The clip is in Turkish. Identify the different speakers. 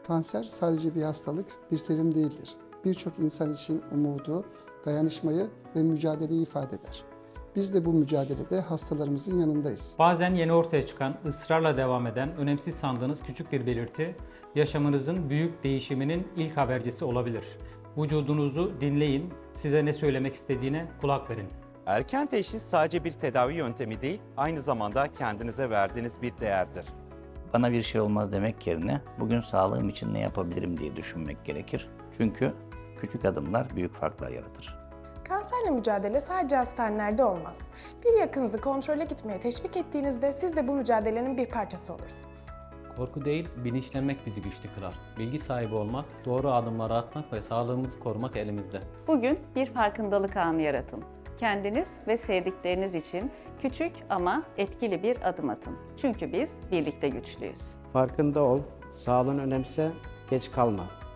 Speaker 1: Kanser sadece bir hastalık, bir terim değildir. Birçok insan için umudu, dayanışmayı ve mücadeleyi ifade eder. Biz de bu mücadelede hastalarımızın yanındayız.
Speaker 2: Bazen yeni ortaya çıkan, ısrarla devam eden, önemsiz sandığınız küçük bir belirti, yaşamınızın büyük değişiminin ilk habercisi olabilir. Vücudunuzu dinleyin, size ne söylemek istediğine kulak verin.
Speaker 3: Erken teşhis sadece bir tedavi yöntemi değil, aynı zamanda kendinize verdiğiniz bir değerdir.
Speaker 4: Bana bir şey olmaz demek yerine bugün sağlığım için ne yapabilirim diye düşünmek gerekir. Çünkü küçük adımlar büyük farklar yaratır.
Speaker 5: Kanserle mücadele sadece hastanelerde olmaz. Bir yakınınızı kontrole gitmeye teşvik ettiğinizde siz de bu mücadelenin bir parçası olursunuz.
Speaker 6: Korku değil, bilinçlenmek bizi güçlü kılar. Bilgi sahibi olmak, doğru adımları atmak ve sağlığımızı korumak elimizde.
Speaker 7: Bugün bir farkındalık anı yaratın. Kendiniz ve sevdikleriniz için küçük ama etkili bir adım atın. Çünkü biz birlikte güçlüyüz.
Speaker 8: Farkında ol, sağlığını önemse, geç kalma.